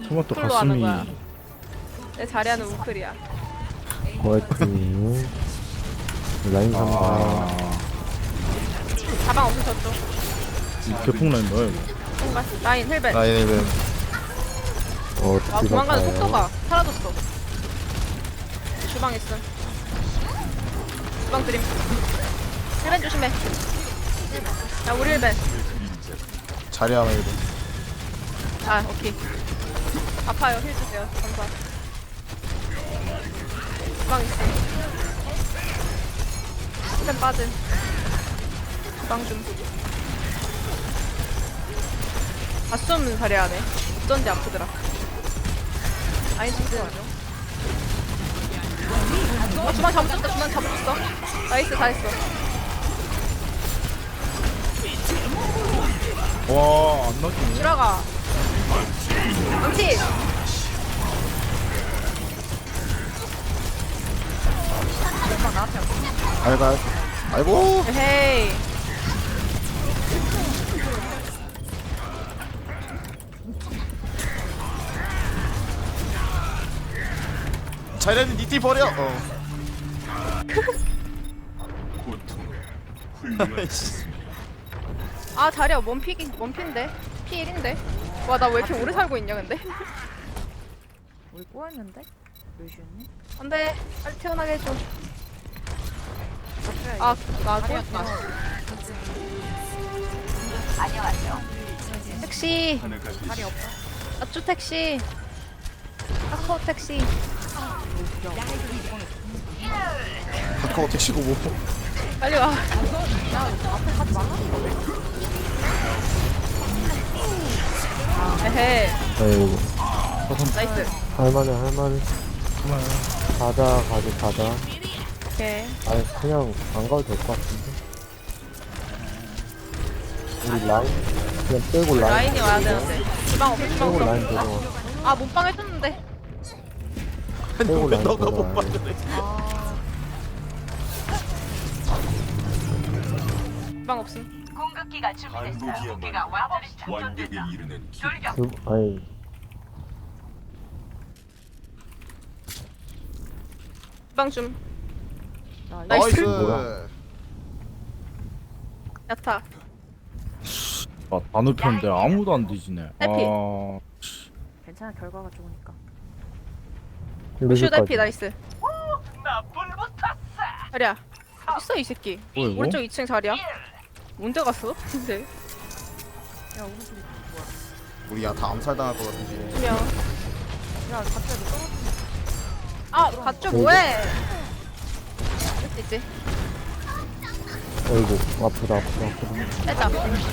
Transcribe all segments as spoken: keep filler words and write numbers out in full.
토마토 풀로 하는 가슴이 거야. 내 자리하는 우클이야. 고아이크님 라인 삼바 아 가방 없어 저쪽. 개풍 라인 뭐야 이거. 뭔가 라인 헬벳. 라인은 어 아 디바 도망가는 가요. 속도가 사라졌어. 주방 있음. 주방 드림. 헬벳 조심해. 야 우리 헬벳. 자리하면 이거 아 오케이. 아파요 힐 주세요. 감사. 주방 있음. 힐벳 빠짐. 주방 좀. 아싸 자리하네. 어쩐지 아프더라. 아이 진짜 아니요. 어 주방 잡았다. 주방 잡았어. 나이스 잘했어. 와안 나지네. 들어가. 망치. 알갈 아이고 헤이. 자리하는 니띠 버려 어 아 자리야 원픽이 원핀데 피일인데. 와 나 왜 이렇게 오래 살고 있냐 근데. 우리 꼬였는데? 루시언니? 안돼 빨리 태어나게 해줘. 아나 꼬였다. 안녕하세요. 택시. 다리 없어? 아쭈 택시. 아커 택시. 카카오 택시고 뭐 빨리 와. 에헤. 아이고 나이스. 할만해 할만해 가자 가자 가자 오케이. 아니 그냥 안 가도 될 것 같은데 우리 라인 그냥 빼고 라인 라인이 와야 되는데. 주방 없어 주방 빼고 라인 없어. 들어와 아 몸빵 해줬는데. 빼고 왜 라인 너가 못 들어와 빠져내 주방 없음. 완벽에 이르는 길. 그, 아니 주방 좀. 나 나이스. 뭐야? 야타. 아, 다 눕혔는데 아무도 안 뒤지네. 해피. 아 괜찮아 결과가 좋으니까. 루슈 달피 루시까지 나이스. 자리야. 어딨어 이 새끼. 뭐야 이거? 오른쪽 이 층 자리야. 언제 갔어? 근데. 야 오른쪽이 뭐야? 우리 야다 암살당할 것 같은데 분명. 야 갑자기 떨어져. 아 갔죠 뭐해? 할 수 있지. 아이고 아프다 아프다 아프다 빼자.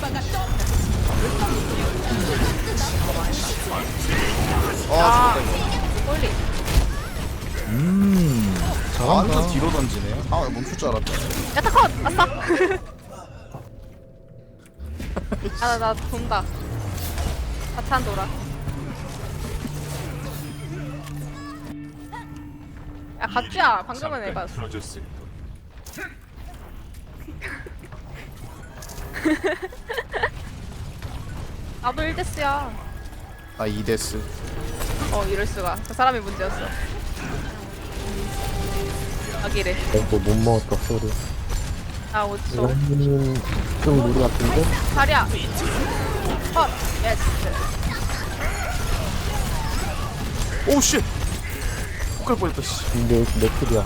아 아. 죽었다 이거 꼴리. 음 완전 잘한다. 뒤로 던지네 아 멈출 줄 알았다 야타 컷! 아싸! 아, 나, 나 돈다. 사탄 돌아. 야, 갓주야! 방금은 해봤어. 틀어졌을 나도 일 데스야. 아 이데스 어, 이럴수가. 그 사람이 문제였어. 아기래. 아이고 못 먹었다 소리 아, 오 초. 라인님 좀 무리 같은데? 자리야! 컷! 예스. 오씨 폭갈 뻔했다 씨 근데 맥클이야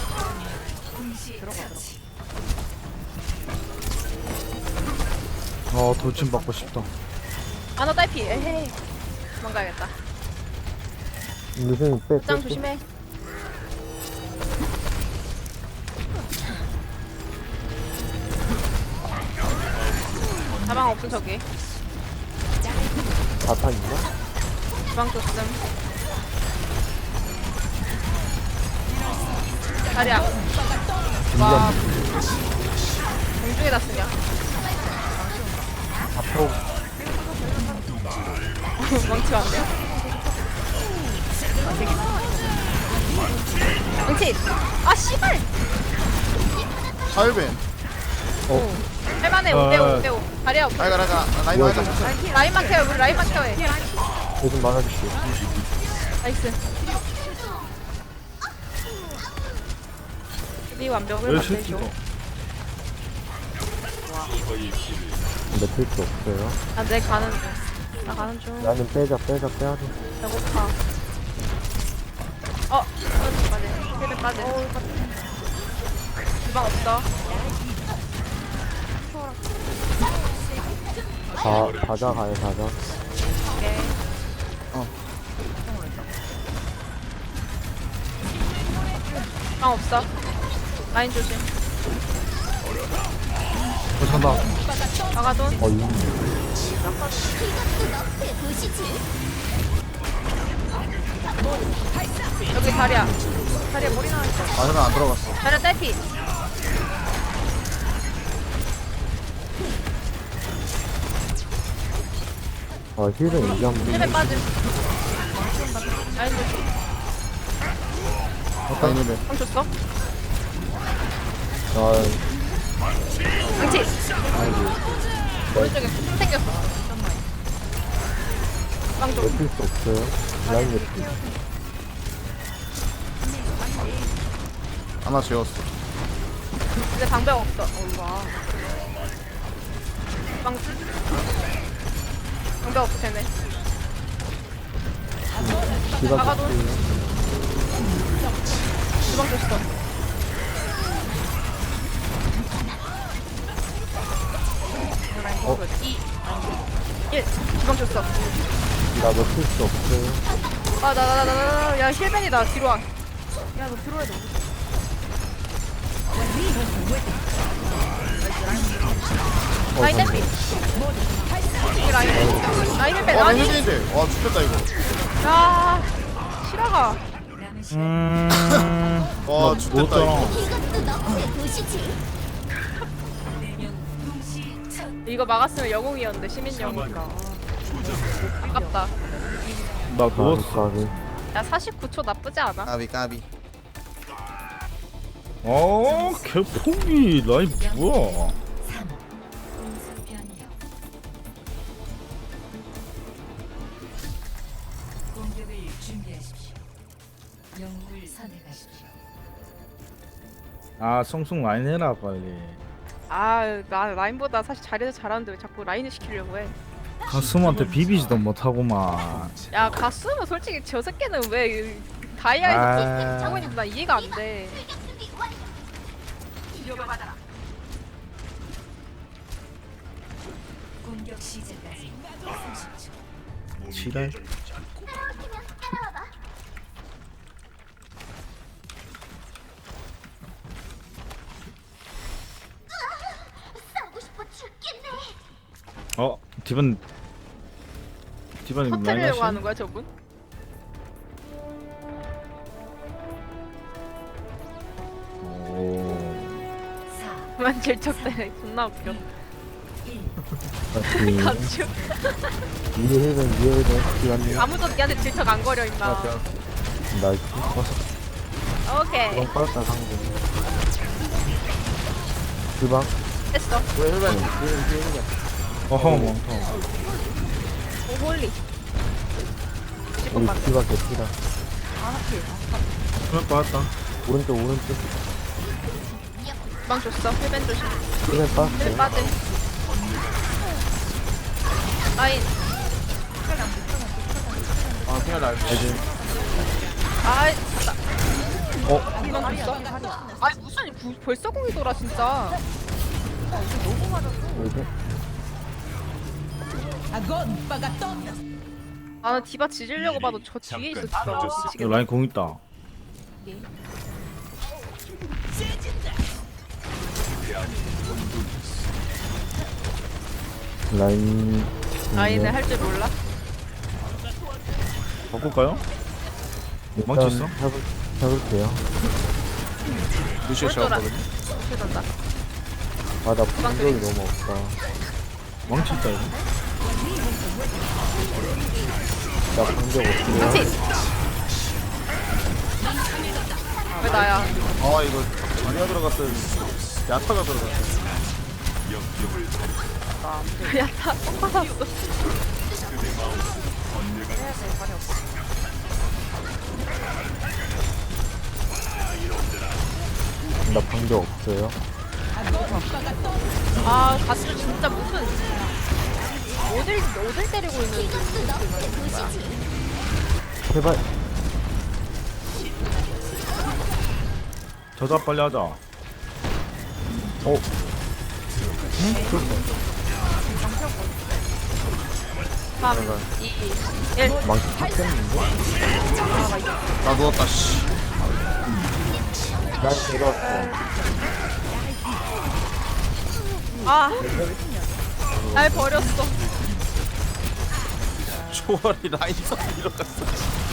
아 돌진 받고 싶다. 아, 너 딸피. 에헤이. 도망가야겠다. 루시는 빼 짱 빼, 빼. 조심해. 가방 없음, 저기. 자탄 있나? 주방 줬음. 자리야. 와. 공중에다 쓰냐? 앞으로 망치면 안 돼요? 망치! 아, 씨발! 하일벤 할만해, 어. 오 대 오, 오 대 오. 자리야, 알갈 알갈 라인 알갈 라인만 케어, 우리 라인만 케어해. 요즘 막아줄게. 나이스. 이 완벽을 왜 만들죠. 새끼가 매트릭스 없어요. 아, 내 가는 중. 나 가는 중. 나는 빼자, 빼자, 빼야 돼. 배고파. 어, 빠지. 힐을 빠지. 주방 없어. 다, 다자 가요, 다자. 오케이. 주방 없어. 라인 조심. 어 산다. 막아돈. 어, 이, 여기 다리야. 다리야 머리 나왔어. 아 혈은 안 들어갔어. 다리야 딸피. 어, 힐은 이게 한 번. 힐에 빠짐. 라인 조심. 다이님의 형 줬어? 아, 망치. 오른쪽에 품 생겼어. 빵 좀. 매트릭스 없어요. 라인 매트릭스. 하나 재웠어. 근데 방벽 없어. 어, 와. 빵. 방벽 없어, 쟤네. 기가 막아도. 줬어요. 주방 줬어. 어? 이. 일. 주방 줬어. 나 매트릭스 없어요. 아, 나, 나, 나, 나, 나, 야, 힐벤이다. 뒤로 와. 야, 너 들어야 돼. 라인 댐비. 이 라인. 라인 힐벤. 와 아니. 힐인데. 와 죽겠다 이거. 야, 실화가. 음. 와 죽겠다 이거. 이거 막았으면 영웅이었는데, 시민 영웅. 그러니까. 아깝다. 나 아, 누웠어. 까비. 야, 사십구 초 나쁘지 않아? 까비 까비. 어 개폭이 라인 뭐야? 공격을 준비하십시오. 영웅을 선택하십시오. 아 성숙 라인 해라 빨리. 아, 나 라인보다 사실 잘해서 잘하는데 왜 자꾸 라인을 시키려고 해? 가슴한테 비비지도 못하고만. 야, 가수는 솔직히 저 새끼는 왜 다이아에서 아. 하고 있는지 나 이해가 안 돼. 공격 시작까지 삼십 초. 지랄. 어 디반 디반이 많이 터트리려고 하시. 하는 거야, 저분? 오. 사, 그만 질척대. 존나 웃겨. 다시. 감추. 위에 힐은, 위에 힐은. 기간님. 아무도 니한테 질척 안 거려, 임마. 나이스. 오케이. 주방 빠졌다, 상대. 주방. 됐어. 왜 혈ben? 왜 이렇게 혈ben? 어허 멍터. 오, 홀리. 우리 만 기가 개피다. 그럴 것 같다. 오른쪽, 오른쪽. 주방 줬어. 힐벤 조심. 힐은 힐 빠졌어요. 빠짐. 라인. 아 그냥 날. 아이, 나. 어? 주방 줬어? 아니, 무슨 구, 벌써 공이 돌아, 진짜. 이제. 나는 디바 지지려고 봐도 저 뒤에 잠깐 있었어. 늦었어. 야, 미치겠다. 라인 공 있다. 라인. 라인을 할 줄 몰라? 바꿀까요? 일단 망치 있어? 해볼, 해볼게요. 루시오 재웠거든. 어떻게 된다? 아, 나 분석이 너무 없다. 망치 있다 이거. 나 분석 없어요. 망치! 왜 나야? 아 이거 자리가 들어갔어야 야타가 들어갔어. 야, 다 똥 받았어. 해야 돼. 말이 없어. 나 방벽 없어요. 아 가스 진짜 무슨 어딜 어딜 때리고 있는지 제발. 저자 빨리 하자. 어, 삼, 이, 일. 망치 탔겠는데? 나 누웠다 씨. 난 데려왔어. 아, 날 버렸어. 초월이 라인서 밀어갔어.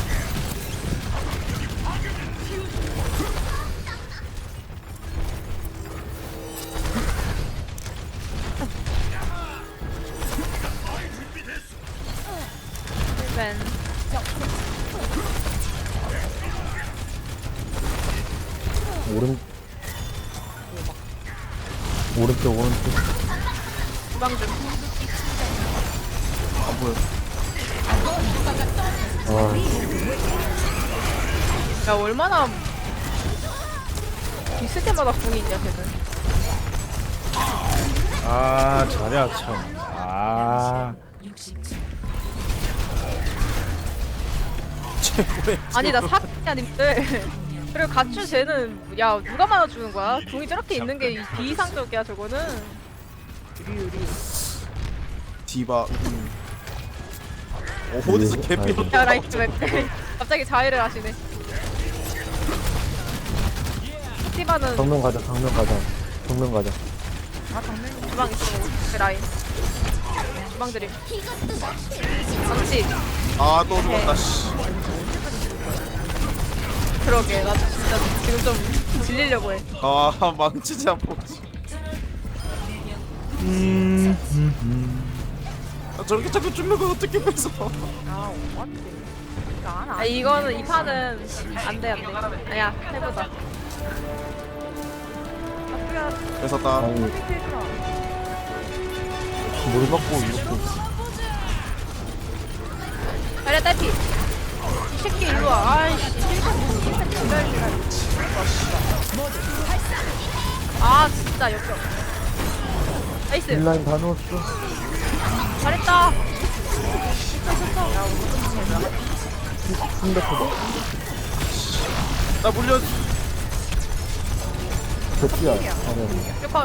힐벤. 오른, 오른쪽, 오른쪽. 주방 좀. 안 보여. 아, 야 얼마나 있을 때마다 궁이 있냐 걔는. 아 잘해야 참. 아 육십 초. 최고의. 아니 나 사기야 님들. 그리고 가추 쟤는 야 누가 많아주는 거야? 궁이 저렇게 있는 게 비이상적이야 저거는. 디바. 음. 어, 어디서 개삐로 야 라이트 왜 갑자기 자해를 하시네. 티바는 정면 가자, 정면 가자. 정면 가자. 주방 있어. 그 라인. 주방 드림. 망치. 아또 누웠다 씨. 그러게 나 진짜 지금 좀 질리려고 해. 아 망치지 않고. 음, 음, 음. 아, 저렇게 자꾸 쭈는 거 어떻게 뺏어? 아, 어떡해. 안, 아 안. 이거는 이 판은 안돼 안돼. 아니야 해보자. 뺏었다. 아니, 뭘 갖고 이렇게. 그래 딸피. 이 새끼 일로 와. 아이씨. 아 진짜 역겹. 나이스. 딜라인 다 넣었어. 잘했다. 충격하다. 나 물려. 대피야. 아니, 아니. 컷.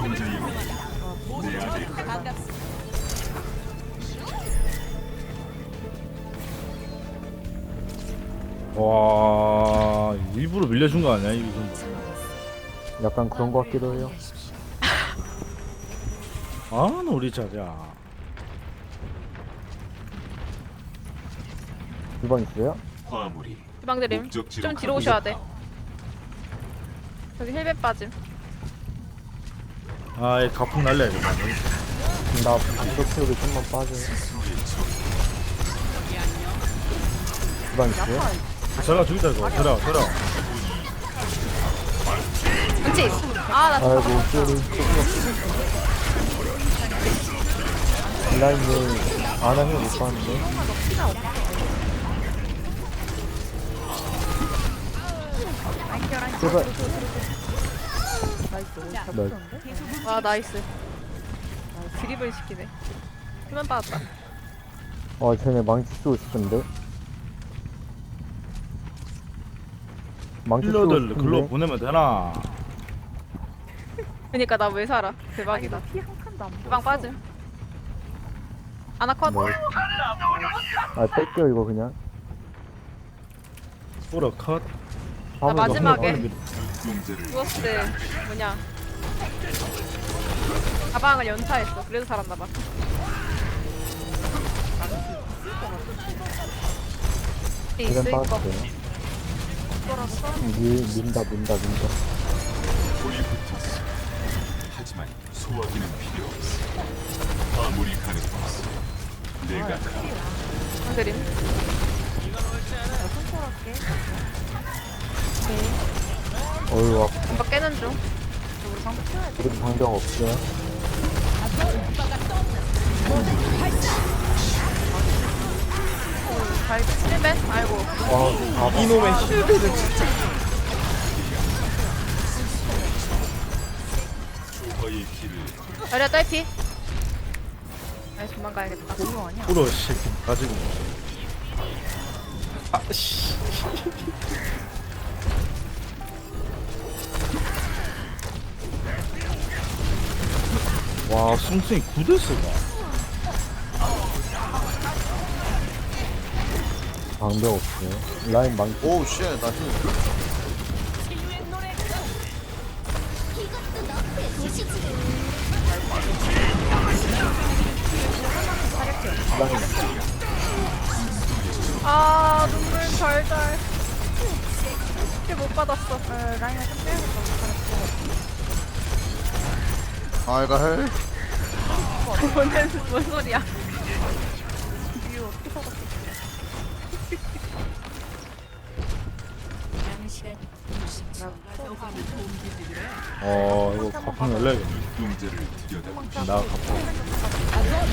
와 일부러 밀려준 거 아니야 이 정도. 약간 그런 거 같기도 해요. 아 우리 자자. 주방 있어요? 화물이 주방 드림. 목적지로 좀 뒤로 오셔야 돼. 저기 힐벳 빠짐. 아이 가풍 날려야겠다. 나 방벽 채우기 좀만 빠져. 주방 있어요? 제가 죽이자 이거. 들어 들어. 그렇지. 아나 아이고, 쏘리. 딜라인을 안 하면 못 봤는데. 제발. 나이스. 와 나이스. 드립을 시키네. 힘만 빠졌다. 아, 쟤네 망치 쓰고 싶은데. 망치 쓰고 힐러들 글로 싶은데. 보내면 되나? 그니까 나 왜 살아? 대박이다. 피한 칸도 안 주방 빠짐. 아나컷. 뭐. 아, 뺄게요, 이거 그냥. 뿌러 컷. 나 화물 마지막에 너무 용제를 죽었을 때 뭐냐 가방을 연타했어. 그래서 살았나봐. 그냥 있을 거. 빠졌어요. 민, 민다, 민다, 민다. 불이 붙었어. 하지만 소화기는 필요 없어. 화물이 가는 곳. 내가 가. 드림. 어휴, 와, 금방 깨는 중. 우리 방벽 없어요. 잘 힐벤? 아이고. 아, 아, 이놈의 힐베는 진짜. 주화의 길을 자리야 딸피. 아이 도망가야겠다. 너무 아니야. 꿇어 새끼 가지고. 아씨. 와 숭숭이 구데스가. 방벽 없어요. 라인 망, 오우 쉣, 나 힐. 라인. 아 눈물 달달. 힐못 받았어. 어, 라인을 좀 빼야겠다. 아, 이거 헬. 뭔, 뭔 소리야? 이거 어떻게 받았어? 남은 시간 육십 초. 어 이거 가방 열려야겠네. 용제를 들여다 나 가방.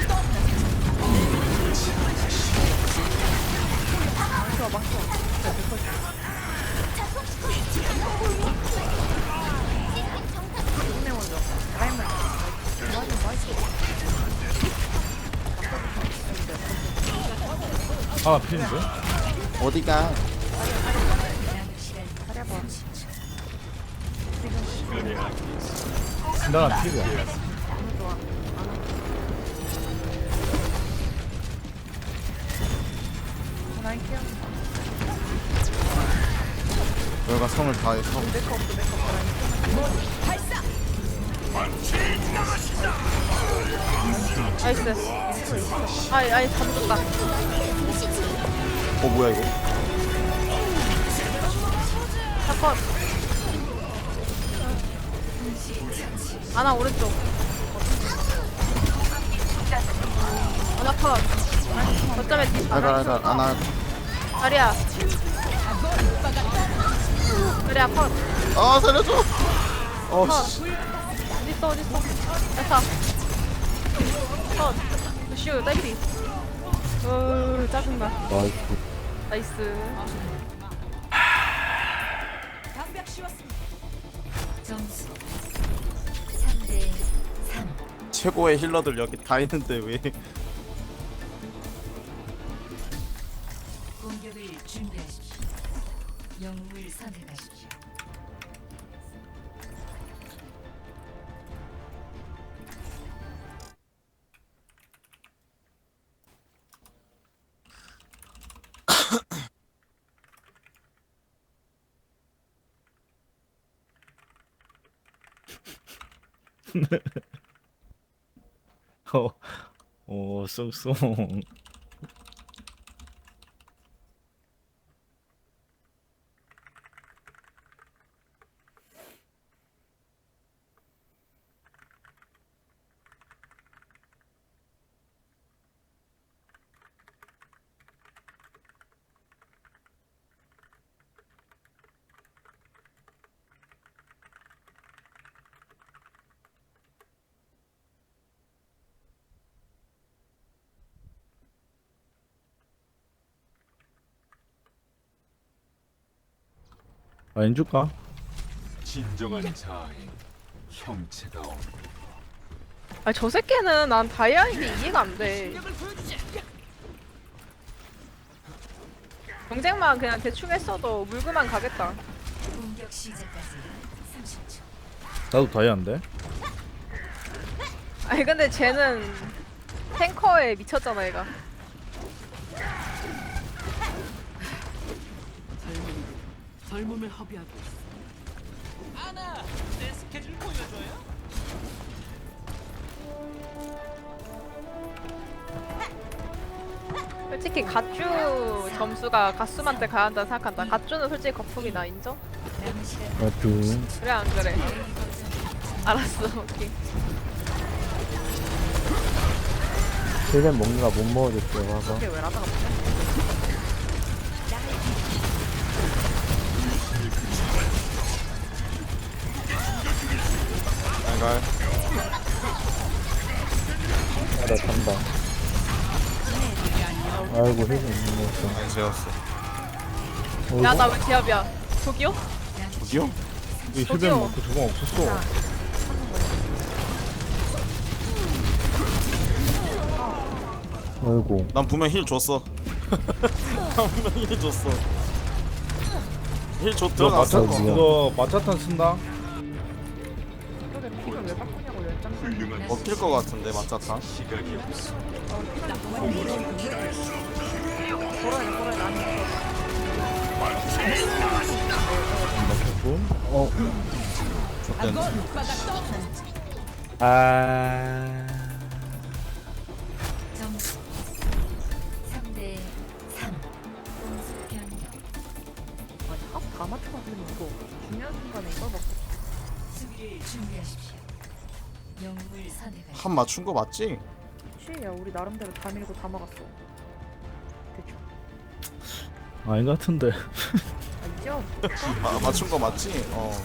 힘내 먼저. 라인만. 라인 나이스. 하나 피는데? 어디가? 남은 시간 잘해봐. 나랑 피야. 너무 좋아. 라인 키워. 너희가 성을 다해서. 메이크 없어, 메이크 없어. 라인 나이스. 아이 아이 잠들었다. 어, 뭐야, 이거? 사건. 아나 오른쪽. 아나 컷. 거점에 뒷. 알갈, 알갈, 안 할. 자리야. 자리야 컷. 아, 살려줘! 어, 컷. 씨. 어딨어 어딨어. 됐다. 컷. 슈 딸피. 으 짜증나. 나이스. 나이스. 점수 삼 대 삼. 최고의 힐러들 여기 다 있는데 왜? 공격을 준비하십시오. 영웅을 선택하십시오. 어, 어, 쏙쏙. 라인 줄까? 진정한 자아의 형체다움. 아니 저 새끼는 난 다이아인 게 이해가 안 돼. 경쟁만 그냥 대충 했어도 물그만 가겠다. 공격 시작까지 삼십 초. 나도 다이아인데? 아니 근데 쟤는 탱커에 미쳤잖아 얘가. 젊음을 허비하고 있어. 솔직히 갓주 점수가 갓수한테 가야 한다 생각한다. 갓주는 솔직히 거품이다 인정? 남은 시간 나이스. 그래 안 그래? 알았어 오케이. 힐벤 먹느라 못 먹어줬어요, 화가. 이게 왜 라다가 없냐? 알갈. 아, 나 간다. 아이고, 아이고 힐 못 먹었어. 아니 재웠어. 어이구. 야 나 왜 제압이야? 저기요? 저기요? 이 힐벤 저기요. 먹고 저거 없었어. 어이구. 난 분명 힐 줬어. 난 분명 힐 줬어. 힐 줬 너 들어갔어. 마차 이거 마차탄 쓴다. 근데 피를 왜 바꾸냐고 연장 훌륭한 먹힐 것 같은데 맞자타. 시간이 없어. 걸어야 돼 걸어야 돼 아니 먹혔고. 어. 좋댄. 아. 점수 삼 대 삼. 공수 변경. 아니 합다 맞춰가지고 이거 중요한 순간에 이걸 막 수비를 준비하십시오. 영웅을 선택하십시오. 한 맞춘 거 맞지? 취야 우리 나름대로 다 밀고 다 막았어 대충 아닌 것 같은데. 알죠? 아, 맞춘 거 맞지? 어.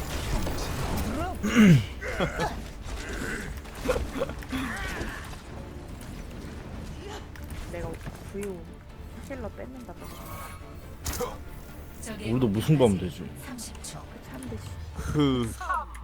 내가 브이오 힐러 뺏는다 고 적의 우리도 무승부하면 되지. 삼십 초. 참듯이 그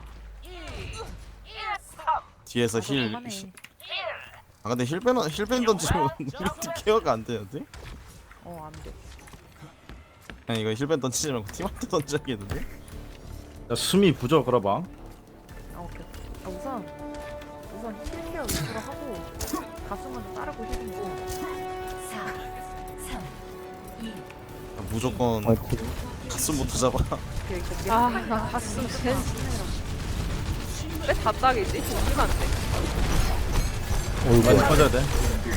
뒤에서 힐. 하네. 아 근데 힐벤 힐벤 던지면 우리 팀 케어가 안 되는데? 어 안돼 아니 이거 힐벤 던지지 말고 팀한테 던져야겠는데? 야 수미 부져 걸어봐. 아 오케이 아 우선 우선 힐 케어 위주로 하고 가슴은 따르고 힐이고 사, 삼, 이. 무조건 화이팅. 가슴부터 잡아. 이렇게 이렇게 아나 가슴 쟤. 왜 답답이지? 웃기면 안 돼. 어이구. 많이 빠져야 돼.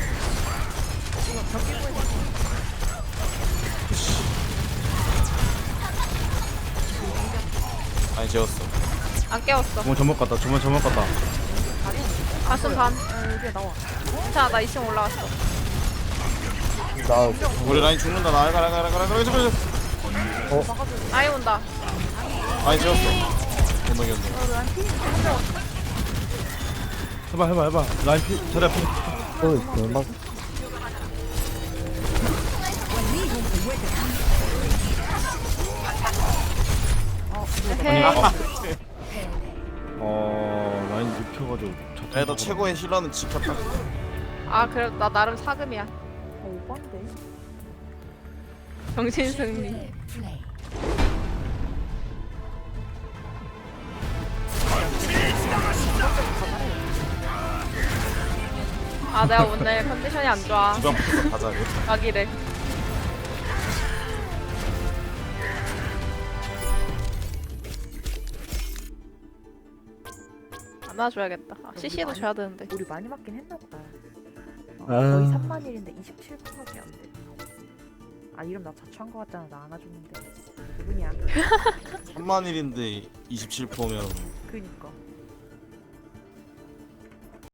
아니 재웠어. 안 깨웠어. 저번 저번 갔다. 저번 저번 갔다. 가슴 반. 아 여기에 나와 자, 나 이 층 올라왔어. 나 우리 라인 죽는다. 나 가라 가라 가라 가라 가라. 아이 온다. 아니 재웠어. 못 넘겼네. 해봐 해봐 해봐. 라인 피 자리 앞에. 또 있어. 막 헤헤. 어 라인 눕혀가지고. 그래도 최고의 힐러는 지켰다. 아 그래 나 나름 사금이야. 어 오반데 정신 승리. 네, 플레이. 아 내가 오늘 컨디션이 안 좋아. 주변 붙어서 가자. 이거. 가기래. 안아줘야겠다. 아, 씨씨도 줘야 되는데. 우리 많이 맞긴 했나 보다 어, 아. 거의 삼만 일인데 이십칠 퍼센트밖에 안돼 아 이름 나 자초한 거 같잖아 나 안아줬는데 누구냐 삼만 일인데 이십칠 퍼센트면 그니까